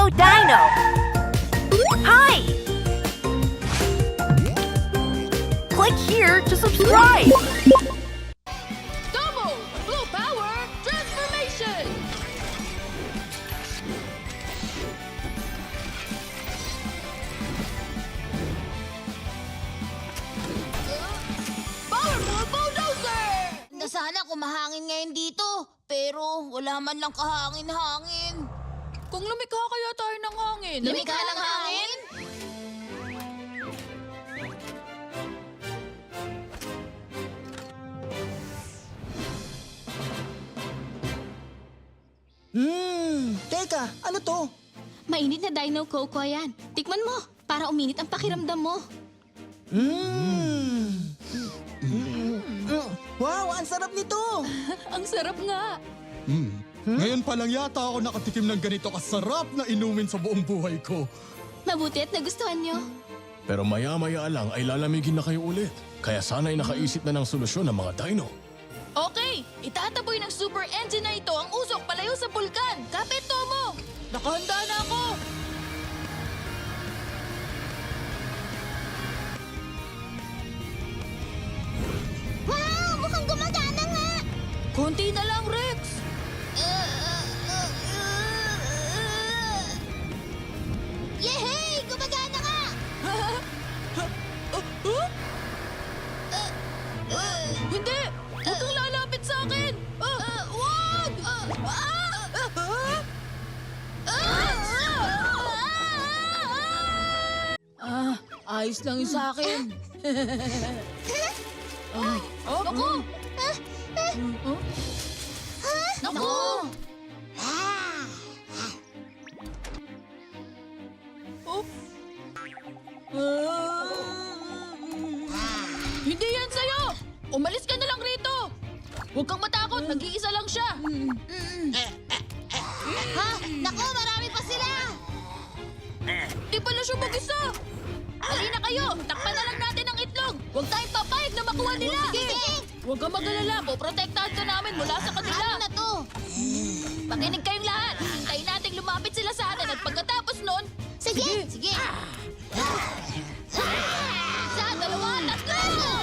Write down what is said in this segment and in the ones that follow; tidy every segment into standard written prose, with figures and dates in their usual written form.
Hello, Dino! Hi! Click here to subscribe! Double Blue Power Transformation! Powerful Bulldozer! Na sana kumahangin ngayon dito, pero wala man lang kahangin-hangin. Kung lumikha kaya tayo ng hangin. Lumikha ng hangin? Teka, ano to? Mainit na Dino Coco yan. Tikman mo, para uminit ang pakiramdam mo. Wow, ang sarap nito! Ang sarap nga. Ngayon pa lang yata ako nakatikim ng ganito kasarap na inumin sa buong buhay ko. Mabuti at nagustuhan nyo. Pero maya-maya lang ay lalamigin na kayo ulit. Kaya sana'y nakaisip na ng solusyon ng mga dino. Okay, itataboy ng super engine na ito ang usok palayo sa bulkan. Kapit, Tomo! Nakahanda na ako! Wow! Mukhang gumagana nga! Konti na lang, Rex! Yehey! Gumagana nga! Hindi! Huwag kang lalapit sa akin! Wag! Ayos lang yun sa akin. Naku! Naku! Oh. Hindi yan sa'yo! Umalis ka na lang rito! Huwag kang matakot, nag-iisa lang siya. Ha? Naku, marami pa sila! Di pala siya mag-isa. Halina kayo, takpan na lang natin ang itlog. Huwag tayong papayag na makuha nila. Sige! Huwag kang mag-alala, poprotektahan ka namin mula sa kanila. Ano na to? Makinig kayong lahat. Hintayin nating lumapit sila sa atin at pagkatapos nun, Sige! Sige! isa, dalawa, tatlo!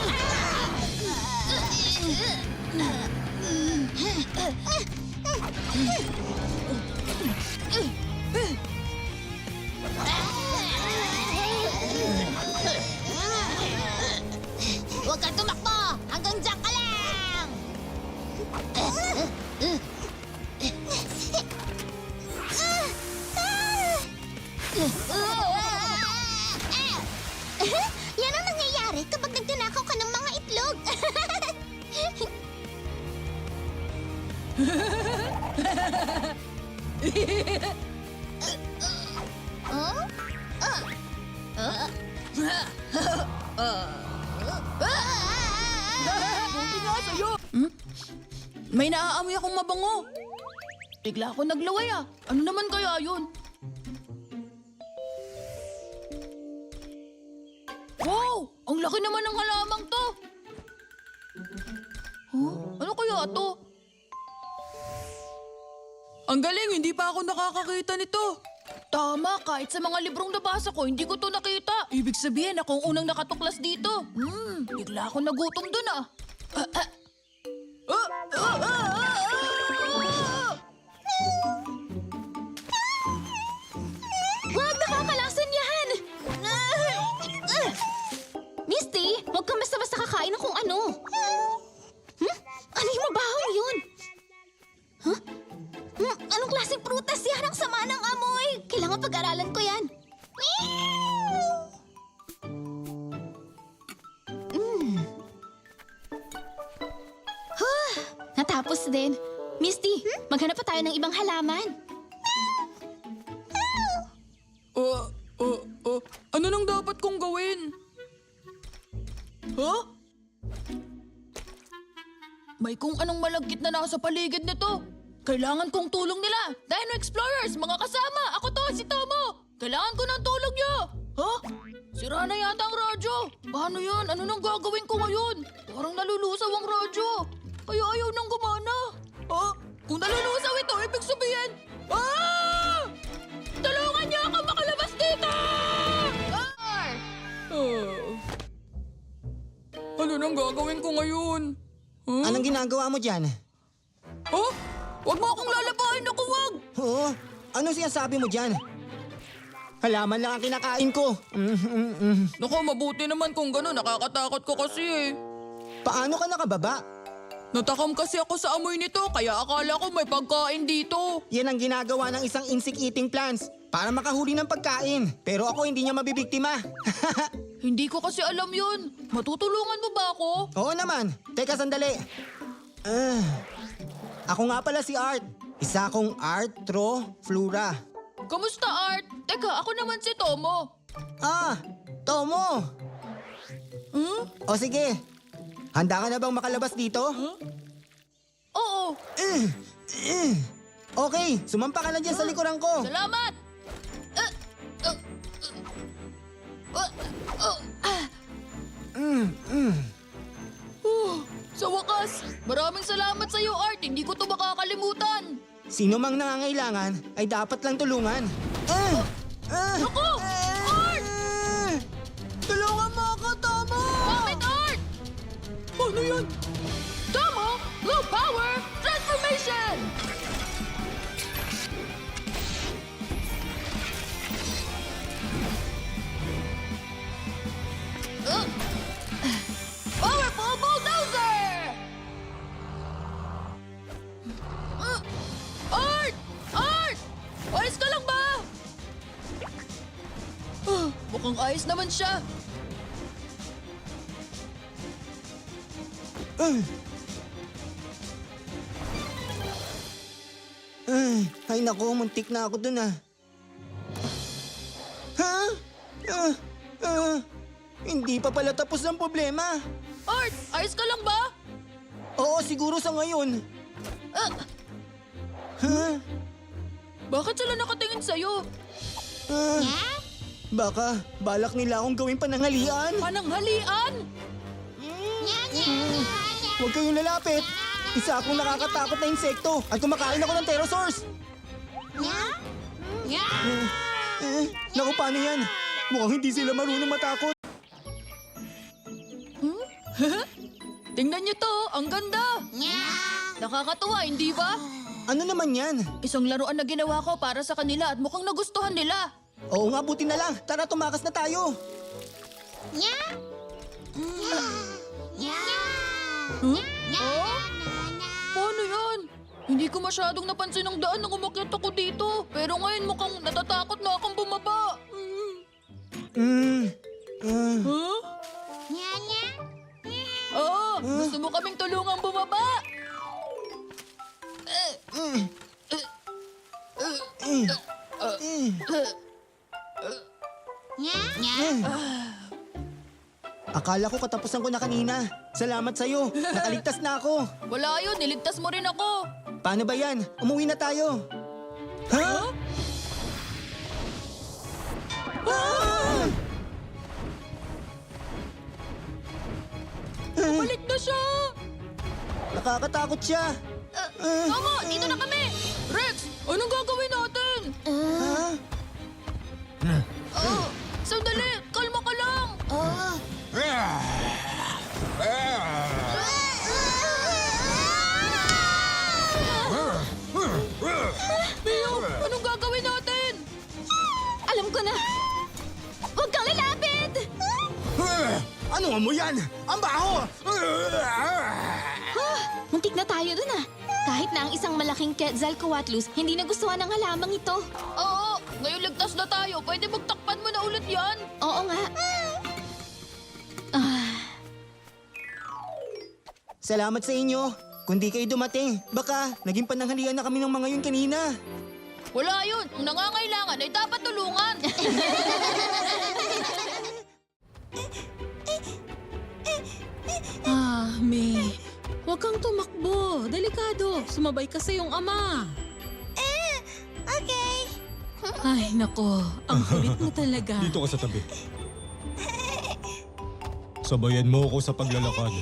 Huwag kang tumakbo! Hanggang dyan ka lang! Yan ang nangyayari kapag nagtinakaw ka ng mga itlog. Huh? Buti nga sa'yo. May naaamoy akong mabango. Bigla ako naglaway ah. Ano naman kaya yun? Wow! Ang laki naman ng halamang to. Huh? Ano kaya to? Ang galing, hindi pa ako nakakakita nito. Tama, kahit sa mga librong nabasa ko, hindi ko to nakita. Ibig sabihin, ako ang unang nakatuklas dito. Bigla ako nagutom dun ah. Huwag nakakalasan yan! Misty, huwag kang basta-basta kakain ng kung ano. Ano yung mabahong yun? Huh? Anong klaseng prutas yan? Ang sama ng amoy. Kailangan pag-aralan ko yan. Natapos din. Misty, maghanap pa tayo ng ibang halaman. Ano nang dapat kong gawin? Huh? May kung anong malagkit na nasa paligid nito. Kailangan kong tulong nila. Dino Explorers, mga kasama. Ako to, si Tomo. Kailangan ko ng tulong niyo. Huh? Sira na yata ang radyo. Paano yan? Ano nang gagawin ko ngayon? Parang nalulusaw ang radyo. Kaya ayaw nang gumana. Kung nalulusaw ito, ibig sabihin... Ah! Tulungan! gagawin ko ngayon? Huh? Anong ginagawa mo dyan? Oh? Huwag mo akong lalabahin ako, wag! Oo, anong sinasabi mo dyan? Halaman lang ang kinakain ko. Naku, mabuti naman kung gano'n. Nakakatakot ko kasi eh. Paano ka nakababa? Natakam kasi ako sa amoy nito, kaya akala ko may pagkain dito. Yan ang ginagawa ng isang insect-eating plants para makahuli ng pagkain. Pero ako hindi niya mabibiktima. Hindi ko kasi alam yun. Matutulungan mo ba ako? Oo naman. Teka sandali. Ako nga pala si Art. Isa akong Arthroflora. Kamusta, Art? Teka, ako naman si Tomo. Tomo! O sige, handa ka na bang makalabas dito? Oo, Okay, sumampa ka na dyan sa likuran ko. salamat! Sa wakas, maraming salamat sa iyo, Art. Hindi ko to makakalimutan. Sino mang nangangailangan ay dapat lang tulungan. Ako! Art! Tulungan mo ako, Tomo! Bakit, Art? Ano yan? Tomo, Blue Power Transformation! Powerful Bulldozer! Art! Art! Ayos ka lang ba? Mukhang ayos naman siya. Ay naku, muntik na ako dun ah. Ha? Hindi pa pala tapos ang problema. Art, ayos ka lang ba? Oo, siguro sa ngayon. Bakit sila nakatingin sa'yo? Baka balak nila akong gawing pananghalian. Pananghalian? Huwag kayong lalapit. Isa akong nakakatakot na insekto at kumakain ako ng pterosaurs. Naku, paano yan? Mukhang hindi sila marunong matakot. Tingnan niyo to, ang ganda. Nakakatuwa, hindi ba? Ano naman yan? Isang laruan na ginawa ko para sa kanila at mukhang nagustuhan nila. Oo nga, buti na lang. Tara, tumakas na tayo. Oh? Paano yan? Hindi ko masyadong napansin ang daan nang umakyat ako dito. Pero ngayon mukhang natatakot na akong bumaba. Huh? Oo, gusto mo kaming tulungang bumaba? Akala ko katapusan ko na kanina. Salamat sa'yo. Nakaligtas na ako. Wala yun, niligtas mo rin ako. Paano ba yan? Umuwi na tayo. Ha? Balik na siya! Nakakatakot siya. Tomo, dito na kami! Rex, anong gagawin natin? Sandali, kalma ka lang! Mio, anong gagawin natin? Alam ko na! Huwag kang lalapit! Ano nga mo yan? Ang baho! Muntik na tayo dun ah. Kahit na ang isang malaking Quetzalcoatlus, hindi nagustuhan ng halamang ito. Oo, ngayon ligtas na tayo. Pwede magtakpan mo na ulit yan? Oo nga. Salamat sa inyo. Kung di kayo dumating, baka naging pananghalian na kami ng mga yun kanina. Wala yun. Ang nangangailangan ay dapat tulungan. May. Huwag kang tumakbo. Delikado. Sumabay ka sa iyong ama. Okay. Ay, nako. Ang kulit mo talaga. Dito ka sa tabi. Sabayan mo ako sa paglalakad.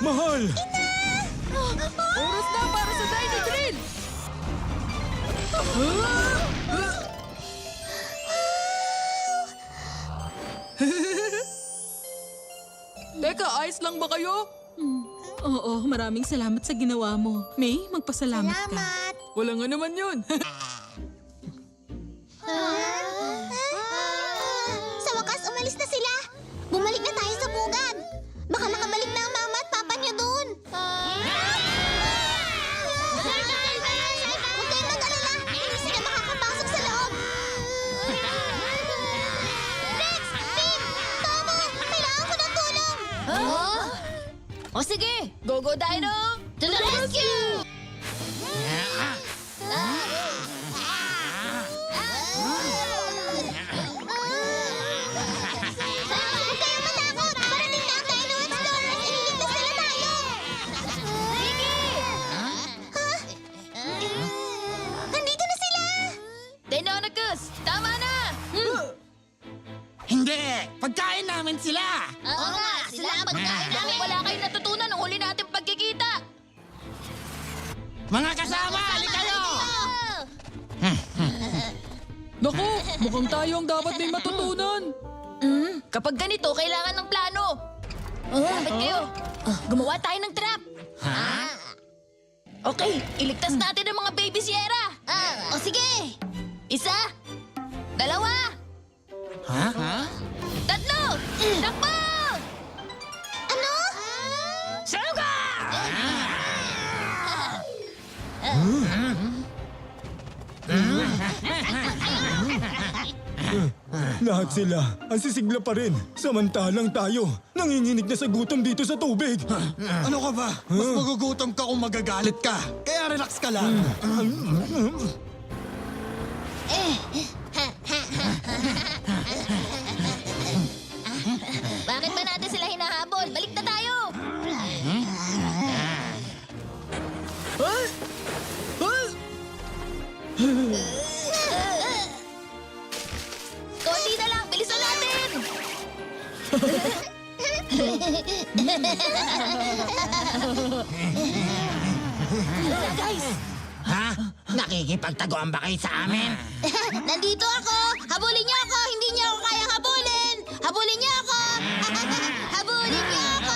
Mahal! Oras na para sa Dino Drill! Teka, ayos lang ba kayo? Oo, maraming salamat sa ginawa mo. May, magpasalamat ka. Salamat! Wala nga naman yun. Sa wakas, umalis na sila. Bumalik na tayo sa bugad. Baka makabalik na ang mama at papa niyo doon. Huwag kayong mag-alala. Hindi sila makakapasok sa loob. Rex! Pim! Tomo! Kailangan ko ng tulong! O sige, go Dino! To the rescue! Huwag kayong matakot! Parating na ang Dino Explorers! Ililigtas nila tayo! Sige! Nandito na sila! Deinonychus, tama na! Hindi! Pagkain namin sila! Oo nga, sila ang pagkain namin. Wala kayong natutunan nung huli natin pagkikita. Mga kasama, halika kayo! Naku, mukhang tayo ang dapat may matutunan. Kapag ganito, kailangan ng plano. Dapat kayo. Gumawa tayo ng trap. Okay, iligtas natin ang mga baby Sierra. O sige. Isa. Dalawa. Tatlo. Takbo! Ano? Suga! Lahat sila, ang sisigla pa rin. Samantalang tayo, nanginginig na sa gutom dito sa tubig. Ano ka ba? Mas magugutom ka kung magagalit ka. Kaya relax ka lang. Bakit ba natin sila hinahabol? Balik na tayo! Konti na lang! Bilisan natin! Guys! Ha? Nakikipagtaguan ba kayo sa amin? Nandito ako! Habulin niyo ako! Hindi niyo ako kayang habulin! Habulin niyo ako! Habulin niyo ako!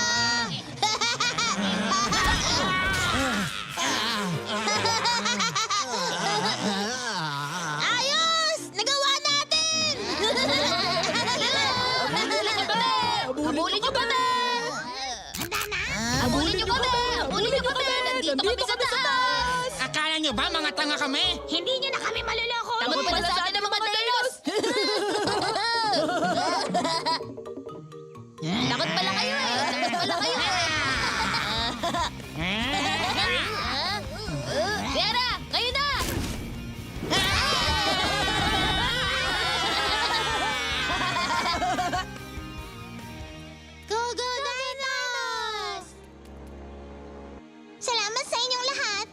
Ayos! Nagawa natin! Habulin niyo kami! Habulin niyo kami! Habulin niyo kami! Nandito kami sa taas! Akala nyo ba mga tanga kami? Hindi niyo na kami maluloko! Takot pala sa atin ang mga dinos! Takot pala kayo eh! Takot pala kayo eh! Sierra! Kayo na! Go, go, Dinos! Salamat sa inyong lahat!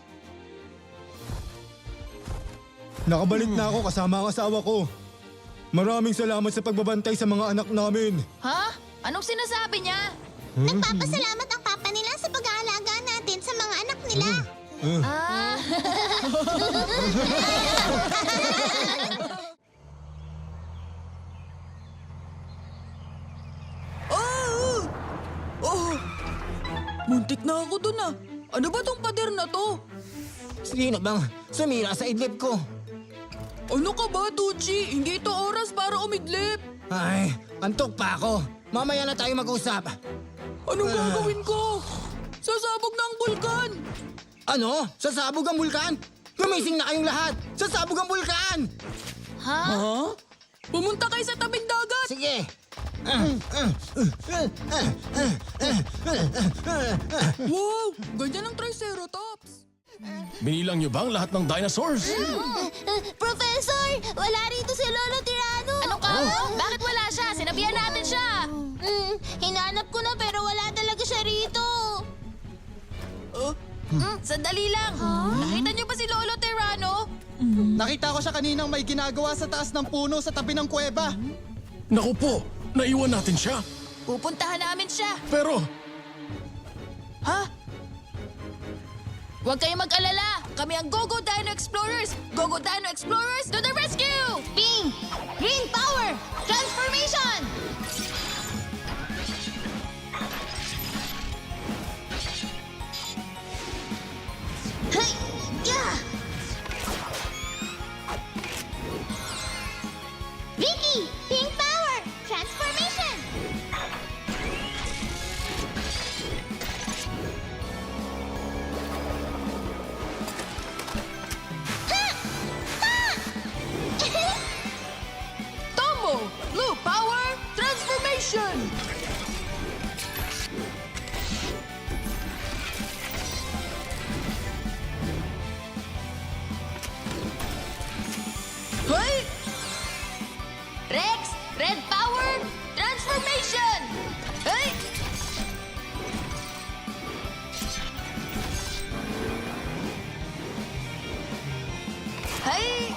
Nakabalik na ako kasama ang asawa ko. Maraming salamat sa pagbabantay sa mga anak namin. Ha? Anong sinasabi niya? Nagpapasalamat ang papa nila sa pag-aalaga natin sa mga anak nila. Ah! Muntik na ako dun ah. Ano ba tong pader na to? Sino bang sumira sa idlip ko? Ano ka ba, Tucci? Hindi ito oras para umidlip. Ay, antok pa ako. Mamaya na tayo mag-usap. Anong gagawin ko? Sasabog na ang bulkan! Ano? Sasabog ang bulkan? Gumising na kayong lahat! Sasabog ang bulkan! Ha? Pumunta kayo sa tabing dagat! Sige! Wow! Ganyan ang Triceratops! Binilang niyo ba ang lahat ng dinosaurs? Professor! Wala rito si Lolo Tirano! Ano ka? Bakit wala siya? Sinabihan natin siya! Hinanap ko na pero wala talaga siya rito! Sandali lang! Nakita niyo ba si Lolo Terrano? Nakita ko siya kaninang may ginagawa sa taas ng puno sa tabi ng kuweba. Naku po, naiwan natin siya. Pupuntahan namin siya. Pero, Ha? Huwag kayong mag-alala! Kami ang Go-Go Dino Explorers! Go-Go Dino Explorers to the rescue! Ping! Green power! Transformation! Hey! Yeah! Vicky! Pink power! Transformation! Tomo! Blue Power Transformation! Hey! Rex! Red power! Transformation! Hey! Hey!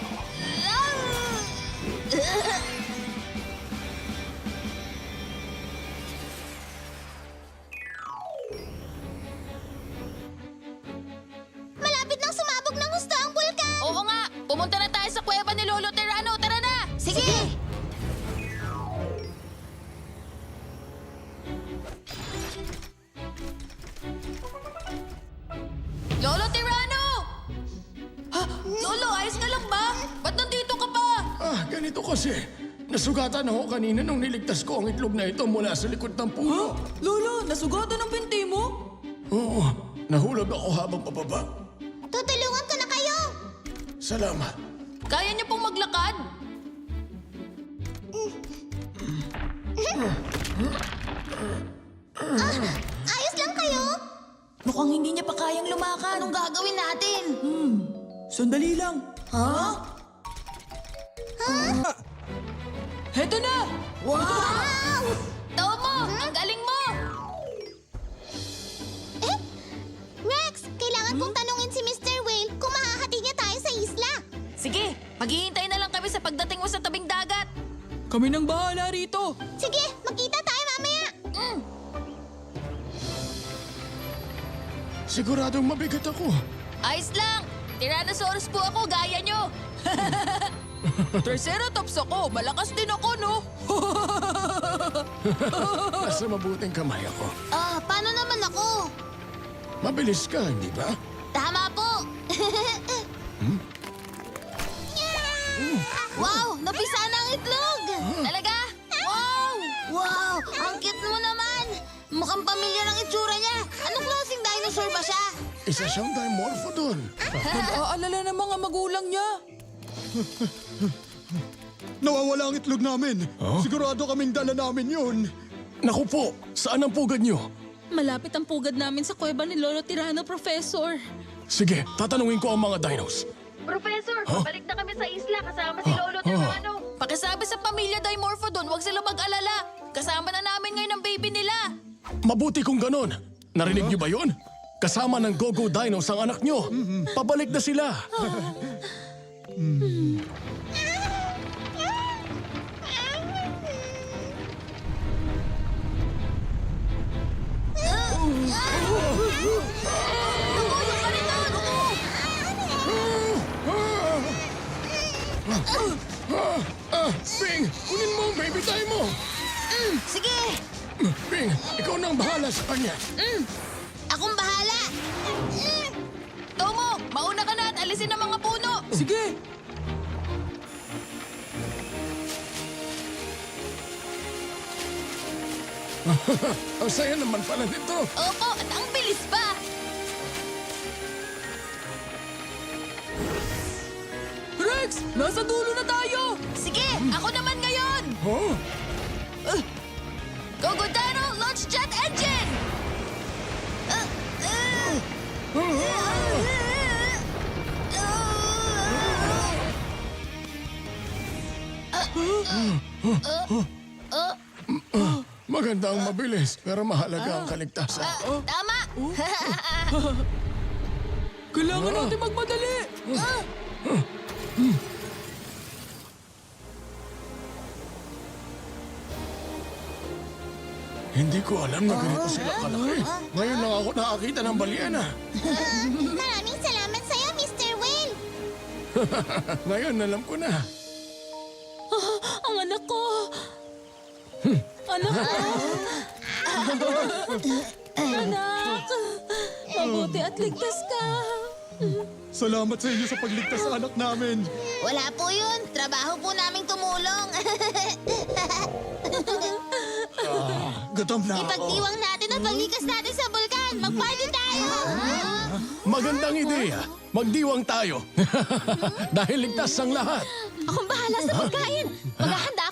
Malapit nang sumabog ng gusto ang bulkan! Oo nga! Pumunta na tayo sa kuweba ni Lolo Terrano! Tara na! Sige! Lolo Terrano! Ha? Lolo, ayos ka lang ba? Ba't nandito ka pa? Ganito kasi. Nasugatan ako kanina nung niligtas ko ang itlog na ito mula sa likod ng puno. Lolo, nasugatan ang binti mo? Oo, nahulog ako habang pababa. Tutulungan ko na kayo! Salamat. Kaya niyo pong maglakad? Ayos lang kayo? Mukhang hindi niya pa kayang lumakad. Anong gagawin natin? Sandali lang. Ha? Heto na! Wow! Tomo, ang galing mo! Eh? Rex, kailangan kong tanungin si Mr. Whale kung mahahati niya tayo sa isla. Sige, maghihintay na lang kami sa pagdating mo sa tabing dagat. Kami nang bahala rito. Sige, magkita tayo mamaya. Siguradong mabigat ako. Ayos lang! Tyrannosaurus po ako, gaya nyo! Triceratops ako, malakas din ako, no? Nasa mabuting kamay ako. Paano naman ako? Mabilis ka, hindi ba? Tama po! Wow! Napisa na ang itlog! Talaga? Wow! Wow! Ang cute mo naman! Mukhang pamilyar ang itsura niya. Anong klaseng dinosaur ba siya? Isa siyang dimorphodon. Nag-aalala ng mga magulang niya. Nawawala ang itlog namin. Sigurado kaming dala namin yun. Naku po, saan ang pugad niyo? Malapit ang pugad namin sa kuweba ni Lolo Tirano, Professor. Sige, tatanungin ko ang mga dinos. Professor, balik na kami sa isla kasama si Lolo Terrano. Pakisabi sa pamilya Dimorphodon, huwag sila mag-alala. Kasama na namin ngayon ang baby nila. Mabuti kung ganon. Narinig niyo ba yun? Kasama ng Go-Go Dinos ang anak niyo. Pabalik na sila. Bing, kunin mo ang baby tayo mo. Sige! Bing, ikaw na ang bahala sa kanya. Akong bahala! Tomo, mauna ka na at alisin ang mga puno. Sige. Ang saya naman pala nito. Opo, at ang bilis pa. Rex, nasa dulo na tayo. Sige, ako naman ngayon. Oh, Go-Go Dino, launch jet engine! maganda ang mabilis, pero mahalaga ang kaligtasan. Tama! Kailangan natin magmadali. Hindi ko alam na ganito sila kalaki. Ngayon lang ako nakakita ng balyena. Maraming salamat sa'yo, Mr. Whale. Ngayon alam ko na. Ang anak ko! Anak ko! Anak! Mabuti at ligtas ka! Salamat sa inyo sa pagligtas sa anak namin. Wala po yun. Trabaho po naming tumulong. Gutom na ako. Ipagdiwang natin ang paglikas natin sa bulkan. Mag-party tayo! Magandang ideya. Magdiwang tayo. Dahil ligtas ang lahat. Akong bahala sa pagkain. Maghahanda